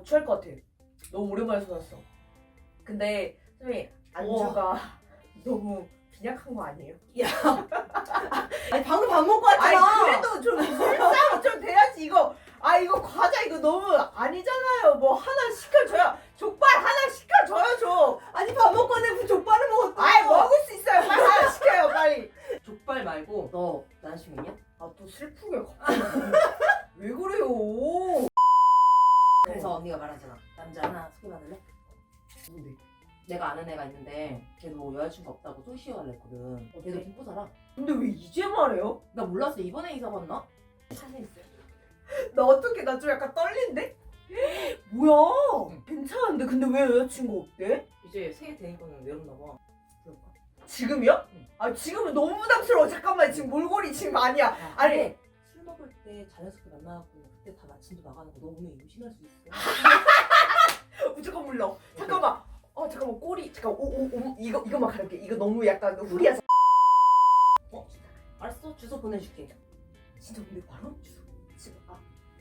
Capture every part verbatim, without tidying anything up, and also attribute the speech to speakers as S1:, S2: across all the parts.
S1: 취할 것 같아. 너무 오랜만에 쏟았어. 근데 선생님 안주가 너무 빈약한 거 아니에요?
S2: 야, 아니 방금 밥 먹고 왔잖아.
S1: 아니 그래도 좀 실상 좀 돼야지 이거. 아 이거 과자 이거 너무 아니잖아요. 뭐 하나 시켜줘야 족발 하나 시켜줘요 좀.
S2: 아니 밥 먹고 왔는데 무슨 족발을 먹었어?
S1: 아이 먹을 수 있어요. 빨리 하나 시켜요 빨리.
S2: 족발 말고 너 남자친구 있냐?
S1: 아 또 슬프게 갑자기. 왜 그래요?
S2: 그래서 언니가 말하잖아. 남자 하나 소개받을래?
S1: 뭔데?
S2: 내가 아는 애가 있는데 걔도 여자친구 없다고 소시오 할래 했거든. 어, 걔도 김포 살아.
S1: 근데 왜 이제 말해요?
S2: 나 몰랐어. 이번에 이사 갔나?
S1: 사진 있어요. 나 어떻게 나 좀 약간 떨린데? 뭐야?
S2: 응.
S1: 괜찮은데 근데 왜 여자친구 없대?
S2: 이제 새해 되니까는 외롭나 봐. 그럴까?
S1: 지금이요?
S2: 응.
S1: 아 지금은 너무 부담스러워. 잠깐만 지금 몰골이 지금 아니야.
S2: 야,
S1: 아니.
S2: 근데 술 먹을 때 자연스럽게 만나갖고 그때 다 마침도 나가는 거 너 오늘 임신할 수 있어.
S1: 무조건 물러. 잠깐만. 어 잠깐만 꼬리 잠깐 오오오 이거 이거만 가릴게. 이거 너무 약간 후리야.
S2: 어? 알았어. 주소 보내줄게.
S1: 진짜 근데 바로 주소 지금 아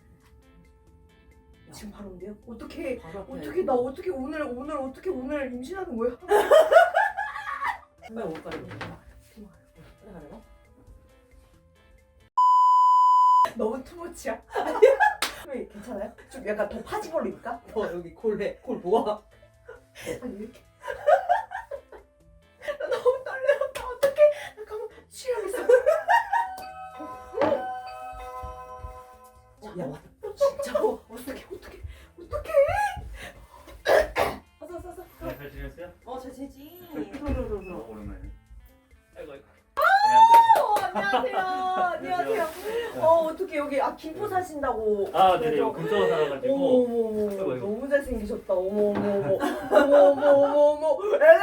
S2: 야.
S1: 지금 바로 온대요? 어떻게
S2: 바로 앞에.
S1: 어떻게 나 어떻게 오늘 오늘 어떻게 오늘 임신하는 거야?
S2: 왜 올까 이거? 그래 가려나?
S1: 너무 투머치야? 왜 괜찮아요? 좀 약간 더 파지벌리니까?
S2: 너 여기 골래 골 모아.
S1: 아니 왜 이렇게 나 너무 떨려. 나 어떡해. 잠깐만 취하겠어.
S2: 야 왔다.
S1: 진짜 어, 어떡해 어떡해 어떡해.
S2: 왔어 왔어 왔어.
S3: 네, 잘 지냈어요?
S2: 어잘 지내지.
S3: 어, 오랜만에. 아이고 아이고.
S1: 어, 안녕하세요. 안녕하세요. 어 어떻게 여기 아 김포 사신다고.
S3: 아, 네네.
S1: 그래서-
S3: 근처 살아가지고.
S1: 어머
S3: 아이고,
S1: 어머
S3: 아이고.
S1: 너무 잘생기셨다. 어머 어머 어머 어머 어머 어머 어머 엘레.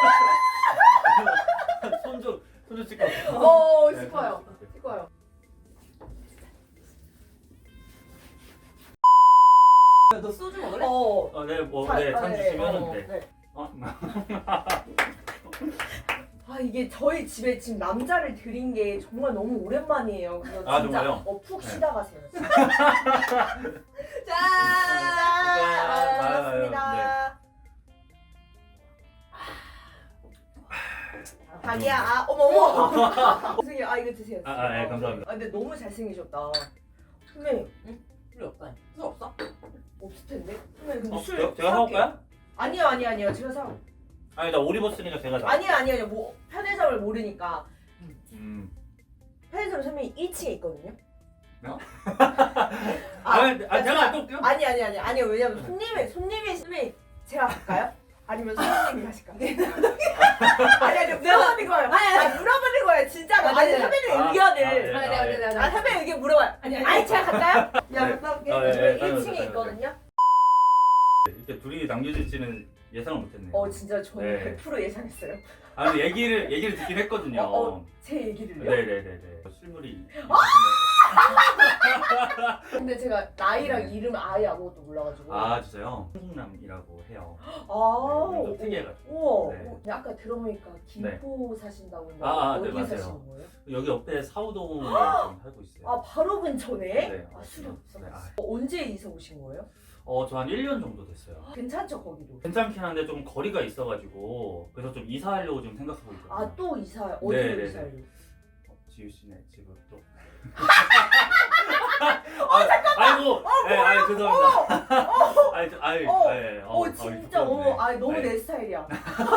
S3: 손좀 손좀 찍고.
S1: 어
S3: 네,
S1: 싶어요.
S3: 손좀 찍고.
S1: 싶어요.
S2: 너 소주 먹을래?
S1: 어.
S3: 어, 네, 뭐,
S1: 자,
S3: 네,
S1: 아,
S3: 잔
S1: 네,
S3: 주시면은
S1: 어,
S3: 돼.
S1: 네.
S3: 어,
S1: 아 이게 저희 집에 지금 남자를 들인 게 정말 너무 오랜만이에요. 그래서
S3: 아,
S1: 진짜
S3: 정말요?
S1: 어, 푹
S3: 네.
S1: 쉬다 가세요. 진짜. 짠!
S3: 아,
S1: 아,
S3: 아,
S1: 반갑습니다. 자기야, 아, 어머 어머. 선생님, 아 이거 드세요.
S3: 아, 아, 네, 감사합니다.
S1: 아 근데 너무 잘생기셨다. 선생님
S2: 술 없다. 술 없어?
S1: 없을 텐데. 선생님 근데
S3: 어,
S1: 술
S3: 제가, 제가 사올까요?
S1: 아니요 아니요 아니요 제가 사.
S3: 아니, 나 옷 입었으니까 제가 사.
S1: 아니요 아니요 아니요 뭐 편의점을 모르니까.
S3: 음.
S1: 편의점 선생님이 일 층에 있거든요.
S3: 어?
S1: 아,
S3: 아, 아, 제가 또 올게요.
S1: 아니 아니 아니 아니요 왜냐면 손님이 손님이 손님이 제가 갈까요? 아니면 손님이 가실까요? 아니 아니 물어보는 거예요. 아니 아니 물어보는 거예요 진짜로.
S2: 아니,
S1: 아니
S2: 아니,
S1: 선배님
S3: 아,
S1: 의견을.
S3: 아, 네.
S2: 아니 내가 내가
S1: 아
S2: 내가.
S1: 선배님 의견 물어봐요.
S2: 아니 아니.
S1: 아니 제가 갈까요? 야
S2: 네.
S1: 갔다 올게.
S3: 아, 네,
S1: 저희
S3: 네,
S1: 일 층에
S3: 다녀오세요,
S1: 있거든요.
S3: 이렇게 둘이 남겨질지는 예상을 못했네요.
S1: 어 진짜 저는
S3: 네.
S1: 백 퍼센트 예상했어요.
S3: 아, 근데 얘기를 얘기를 듣긴 했거든요.
S1: 어, 어. 제 얘기를요?
S3: 네네네네. 실물이.
S1: 근데 제가 나이랑 이름 아예 아무것도 몰라가지고.
S3: 아, 진짜요? 한국남이라고 해요.
S1: 아,
S3: 네, 좀 특이해가지고.
S1: 우와.
S3: 네.
S1: 어, 아까 들어보니까 김포 사신다고 했는데
S3: 아, 아,
S1: 어디에
S3: 네, 맞아요.
S1: 사시는 거예요?
S3: 여기 옆에 사우동에 좀 살고 있어요.
S1: 아 바로 근처네?
S3: 네.
S1: 아 술이 없어.
S3: 네, 아.
S1: 어, 언제 이사 오신 거예요?
S3: 어, 저 한 일 년 정도 됐어요.
S1: 괜찮죠 거기도?
S3: 괜찮긴 한데 좀 거리가 있어가지고 그래서 좀 이사하려고 지금 생각하고 있거든요.
S1: 아 또 이사
S3: 네,
S1: 어디로
S3: 네,
S1: 이사해요?
S3: 어, 지우 씨네 집을 또. 아, 잠깐만. 아이고. 네, 아이 죄송합니다.
S1: 어,
S3: 아이, 저- 아이,
S1: 어,
S3: 아이,
S1: 어,
S3: 아이,
S1: 진짜
S3: 부끄럽네.
S1: 어, 아 너무
S3: 네.
S1: 내 스타일이야.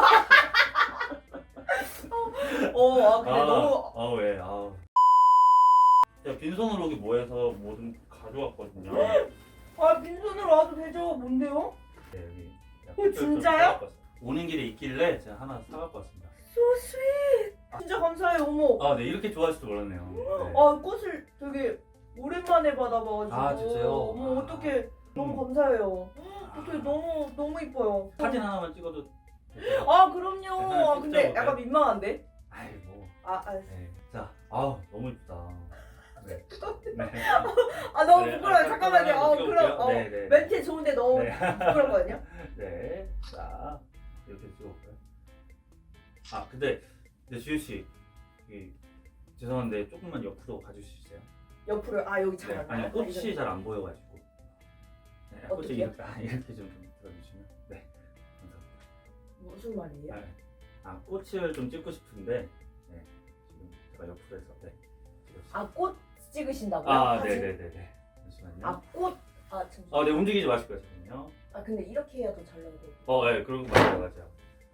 S1: 어, 아 근데
S3: 아,
S1: 너무
S3: 아 왜? 아. 제가 빈손으로 여기 모여서 뭐든 가져왔거든요.
S1: 아 빈손으로 와도 되죠? 뭔데요?
S3: 네, 여기.
S1: 어, 진짜요?
S3: 오는 길에 있길래 제가 하나 사갖고 왔습니다.
S1: So sweet. 진짜 감사해요. 어머.
S3: 아, 네, 이렇게 좋아하실 줄 몰랐네요. 네.
S1: 아 꽃을 되게 오랜만에 받아봐가지고.
S3: 아, 진짜요?
S1: 어머
S3: 아.
S1: 어떡해. 너무
S3: 음.
S1: 감사해요. 어떻게 너무 너무 이뻐요.
S3: 사진 하나만 찍어도 될까요?
S1: 아 그럼요.
S3: 네,
S1: 아, 근데
S3: 찍어볼까요?
S1: 약간 민망한데?
S3: 아이 뭐.
S1: 아 알았어.
S3: 네. 자, 아우 너무 이쁘다. 네. 네.
S1: 아 너무
S3: 네,
S1: 부끄러워요.
S3: 아,
S1: 잠깐만요. 어
S3: 찍어볼게요.
S1: 그럼 어,
S3: 네, 네, 네.
S1: 멘트 좋은데 너무
S3: 네.
S1: 부끄럽거든요.
S3: 네. 자, 이렇게 찍어볼까요? 아, 근데 근데 지우 씨, 이 죄송한데 조금만 옆으로 가주실 수 있어요?
S1: 옆으로 아 여기
S3: 네.
S1: 잘 안
S3: 아니
S1: 나와요?
S3: 꽃이 잘 안 보여가지고. 네. 네, 꽃을
S1: 어떻게요?
S3: 이렇게, 아, 이렇게 좀 들어주시면. 네, 감사합니다.
S1: 무슨 말이에요?
S3: 아, 아, 꽃을 좀 찍고 싶은데, 네, 지금 제가 옆으로 해서, 네, 찍었어요.
S1: 아, 꽃 찍으신다고요?
S3: 아,
S1: 사진?
S3: 네네네네. 잠시만요.
S1: 아, 꽃. 아, 잠시만.
S3: 어, 네, 움직이지 마시고요, 잠깐만요.
S1: 아, 근데 이렇게 해야 더 잘 나오고.
S3: 어, 네, 그런 거 맞아요, 맞아요.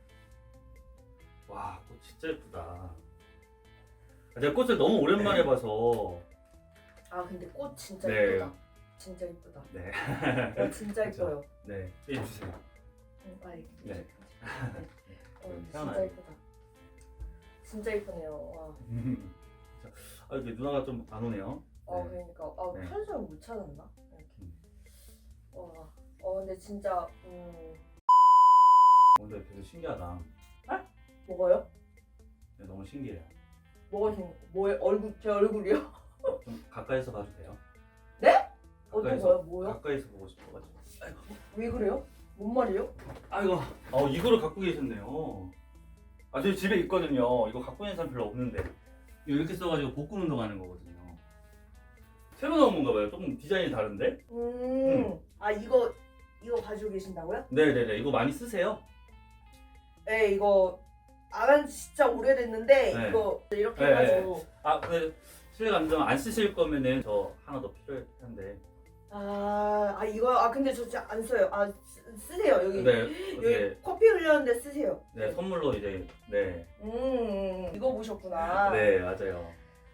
S3: 와, 꽃 진짜 예쁘다. 아, 제가 꽃을 너무 오랜만에 봐서,
S1: 아, 근데 꽃 진짜
S3: 네.
S1: 예쁘다. 진짜 예쁘다.
S3: 네,
S1: 어, 진짜
S3: 그쵸.
S1: 예뻐요.
S3: 네, 해주세요.
S1: 응, 빨리.
S3: 네.
S1: 네. 어, 진짜
S3: 태어나요.
S1: 예쁘다. 진짜 예쁘네요. 와.
S3: 아, 이게 누나가 좀 안 오네요.
S1: 어,
S3: 네.
S1: 그러니까 아,
S3: 네.
S1: 편의점 못 찾았나? 이렇게.
S3: 음.
S1: 와. 어, 근데 진짜 음.
S3: 오늘 되게 신기하다.
S1: 뭐가요?
S3: 네, 너무 신기해요.
S1: 뭐가 신 뭐에 얼굴 제 얼굴이요?
S3: 좀 가까이서 봐도 돼요?
S1: 네? 어떤
S3: 가까이서,
S1: 거요? 뭐요?
S3: 가까이서 보고 싶어가지고.
S1: 왜 그래요? 뭔 말이에요?
S3: 아이고, 어, 이거를 갖고 계셨네요. 아, 저희 집에 있거든요. 이거 갖고 있는 사람 별로 없는데. 이거 이렇게 써가지고 복근 운동하는 거거든요. 새로 나온 건가 봐요. 조금 디자인이 다른데?
S1: 음.
S3: 음.
S1: 아, 이거 이거 가지고 계신다고요?
S3: 네네네. 이거 많이 쓰세요?
S1: 네, 이거 안 한 지 진짜 오래됐는데
S3: 네.
S1: 이거 이렇게
S3: 네,
S1: 해가지고
S3: 아, 근데 실례감정 안 쓰실 거면은 저 하나 더 필요한데.
S1: 아, 아 이거 아 근데 저 진짜 안 써요. 아 쓰, 쓰세요 여기
S3: 네,
S1: 여기
S3: 어떻게,
S1: 커피 흘렸는데 쓰세요.
S3: 네, 선물로 이제, 네.
S1: 음, 이거 보셨구나.
S3: 네, 맞아요.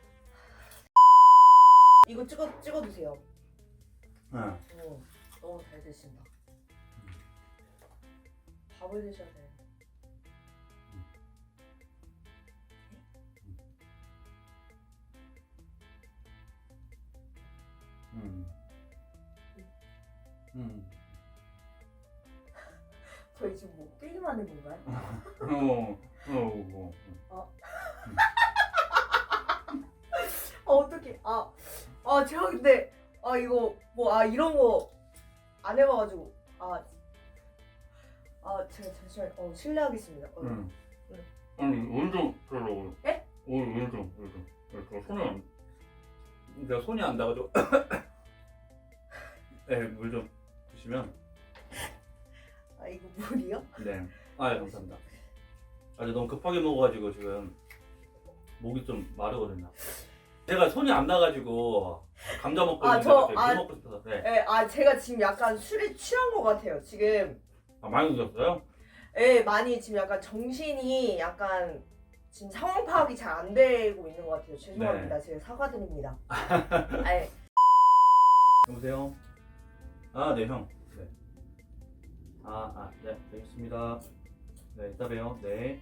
S1: 이거 찍어 찍어 드세요.
S3: 응.
S1: 어, 너무 잘 드신다. 밥을 드셔야 돼.
S3: 음. 음.
S1: 저희 지금 뭐 게임하는 건가요?
S3: 어, 어, 어.
S1: 아 어떡해. 아, 아 제가 근데 아 이거 뭐 아 이런 거 안 해봐가지고 아, 아 제가 잠시만 어 실례하겠습니다. 어,
S3: 응.
S1: 응.
S3: 아니, 물좀 들어오고.
S1: 예?
S3: 오늘 물 좀, 물 좀. 저 손이 안, 내가 손이 안 닿아가지고. 네, 물 좀 드시면.
S1: 아 이거 물이요?
S3: 네. 아, 예, 감사합니다. 아, 저 너무 급하게 먹어가지고 지금 목이 좀 마르거든요. 제가 손이 안 나가지고 감자 먹고
S1: 아,
S3: 있는데
S1: 저-
S3: 갑자기
S1: 아.
S3: 물 먹고 싶어서. 네.
S1: 예, 아 제가 지금 약간 술에 취한 것 같아요. 지금
S3: 아, 많이 드셨어요?
S1: 예 많이 지금 약간 정신이 약간 지금 상황 파악이 잘 안 되고 있는 것 같아요. 죄송합니다. 제가 사과드립니다. 아, 예.
S3: 여보세요? 아, 네, 형. 네. 아, 아, 네, 알겠습니다. 네, 이따 봬요. 네.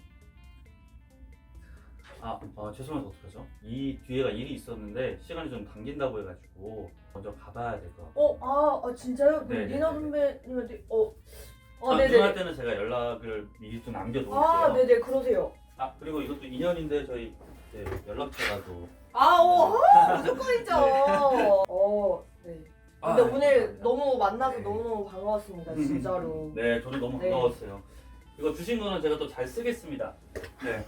S3: 아, 아, 죄송해서 어떡하죠? 이 뒤에가 일이 있었는데 시간이 좀 당긴다고 해가지고 먼저 가봐야 될 것 같아요.
S1: 어, 아, 아 진짜요?
S3: 네,
S1: 리나
S3: 네,
S1: 선배님한테 어, 어,
S3: 아,
S1: 네네.
S3: 누나할 때는 제가 연락을 미리 좀 남겨놓을게요.
S1: 아, 네네, 그러세요.
S3: 아, 그리고 이것도 인연인데 저희 이제 연락처라도.
S1: 아, 어, 아, 무조건이죠. 어, 네.
S3: 아,
S1: 근데
S3: 네,
S1: 오늘
S3: 감사합니다.
S1: 너무 만나서
S3: 네.
S1: 너무너무 반가웠습니다, 진짜로.
S3: 네, 저도 너무
S1: 네.
S3: 반가웠어요. 이거 주신 거는 제가 또 잘 쓰겠습니다. 네.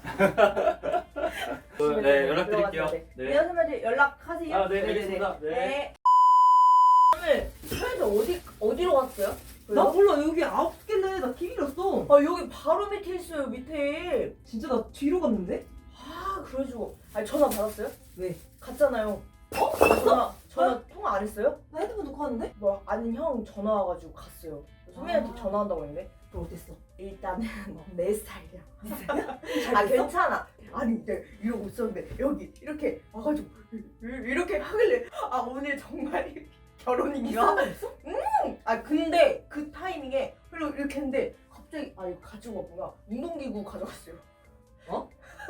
S3: 네, 연락드릴게요.
S1: 네.
S3: 네.
S1: 리나 선배님 연락하세요.
S3: 아, 네,
S1: 네네네.
S3: 알겠습니다. 네.
S1: 네. 오늘 편의점 어디 어디로 갔어요?
S2: 나 몰라 여기 아홉 개네. 나 티비를 었어.
S1: 아 여기 바로 밑에 있어요, 밑에.
S2: 진짜 나 뒤로 갔는데?
S1: 아, 그래가지고 아니 전화 받았어요?
S2: 왜?
S1: 갔잖아요. 어? 전화 전화 통화 안 했어요?
S2: 나 핸드폰 놓고 왔는데?
S1: 뭐 아는 형 전화 와가지고 갔어요. 선배한테
S2: 아.
S1: 전화한다고 했는데
S2: 그럼 어땠어?
S1: 일단은 내 스타일이야.
S2: 잘
S1: 아
S2: 됐어?
S1: 괜찮아. 아니 이제 이러고 있었는데 여기 이렇게 와가지고 이- 이렇게 하길래 아 오늘 정말 결혼인가?
S2: 있어?
S1: 아 근데 그 타이밍에 그리고 이렇게 했는데 갑자기 아 이거 가지고 왔구나. 운동기구 가져갔어요.
S2: 어?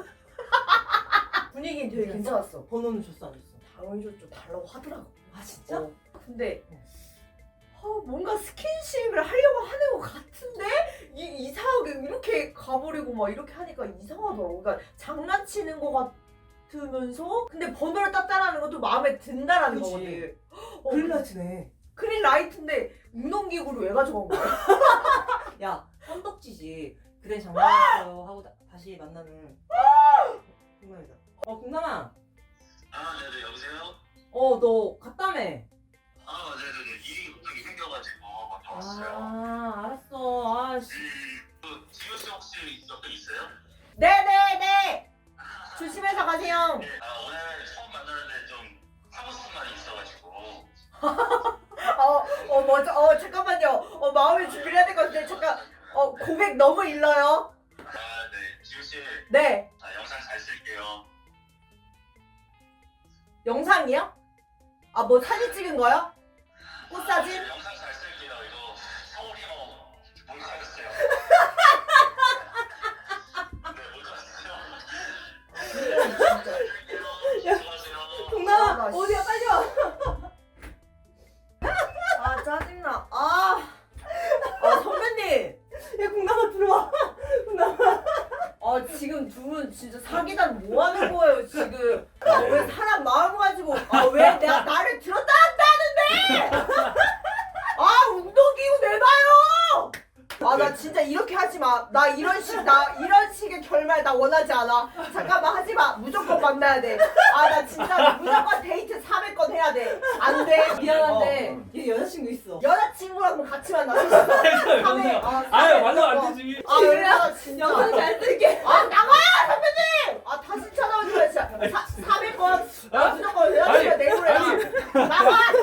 S1: 분위기는 되게 괜찮았어.
S2: 번호는 줬어 안 줬어?
S1: 당연히 좀 달라고 하더라고.
S2: 아 진짜?
S1: 어. 근데 어, 뭔가 스킨십을 하려고 하는 것 같은데 이, 이상하게 이렇게 가버리고 막 이렇게 하니까 이상하더라고. 그러니까 장난치는 것 같으면서 근데 번호를 땄다라는 것도 마음에 든다라는
S2: 그치.
S1: 거거든. 어,
S2: 그릴라치네.
S1: 그린라이트인데 운동기구를 왜 가져간 거야?
S2: 야 껌덕지지. 그래 장난했어요 하고 다, 다시 만나면 국남이다. 어 국남아.
S4: 아, 네네, 여보세요?
S2: 어 너 갔다며.
S4: 아, 네네네. 일이 갑자기 생겨가지고. 나왔어요.
S2: 아 알았어. 아씨.
S4: 그 지효 씨 혹시 옆에 있어요?
S1: 네네네. 조심해서 가세요.
S4: 아 오늘 처음 만나는데 좀 하고 싶은 말이 있어가지고.
S1: 어, 어, 먼저, 어, 잠깐만요. 어, 마음의 준비를 해야 될 것 같은데, 잠깐. 어, 고백 너무 일러요.
S4: 아 네, 지효 씨.
S1: 네.
S4: 아, 영상 잘 쓸게요.
S1: 영상이요? 아, 뭐 사진 찍은 거요? 꽃사진?
S4: 아, 영상 잘 쓸게요. 이거 서울이 뭐 몰카였어요. 네, 몰카였어요.
S1: 야,
S4: 수고하세요.
S1: 아,
S2: 동남아
S1: 나
S2: 어디야 빨리 와.
S1: 아, 짜증나. 아. 아, 선배님.
S2: 야 동남아 들어와. 동남아.
S1: 아, 지금 두 분 진짜 사기단 뭐 하는 거예요, 지금? 아, 왜 사람 마음 가지고, 아, 왜 내가 나를 들었다 한다는데! 아, 운동기구 내놔요! 아, 나 진짜 이렇게 하지 마. 나 이런 식, 나 이런 식의 결말 나 원하지 않아. 잠깐만 하지 마. 무조건 만나야 돼. 아, 나 진짜 무조건 데이트 삼 회권 해야 돼. 안 돼.
S2: 미안한데
S3: 어.
S2: 얘 여자친구 있어.
S1: 여자친구랑 같이 만나. 삼 회. 아, 삼
S3: 아유
S1: 회
S3: 만나면 안
S1: 무조건.
S3: 되지.
S1: 아, 왜 나 진짜.
S2: 영상 잘 쓸게.
S1: 아, 나가요, 선배님! 아, 다시 찾아오지 마, 진짜. 사, 삼 회권. 아, 무조건 여자친구 내보내라. 나가!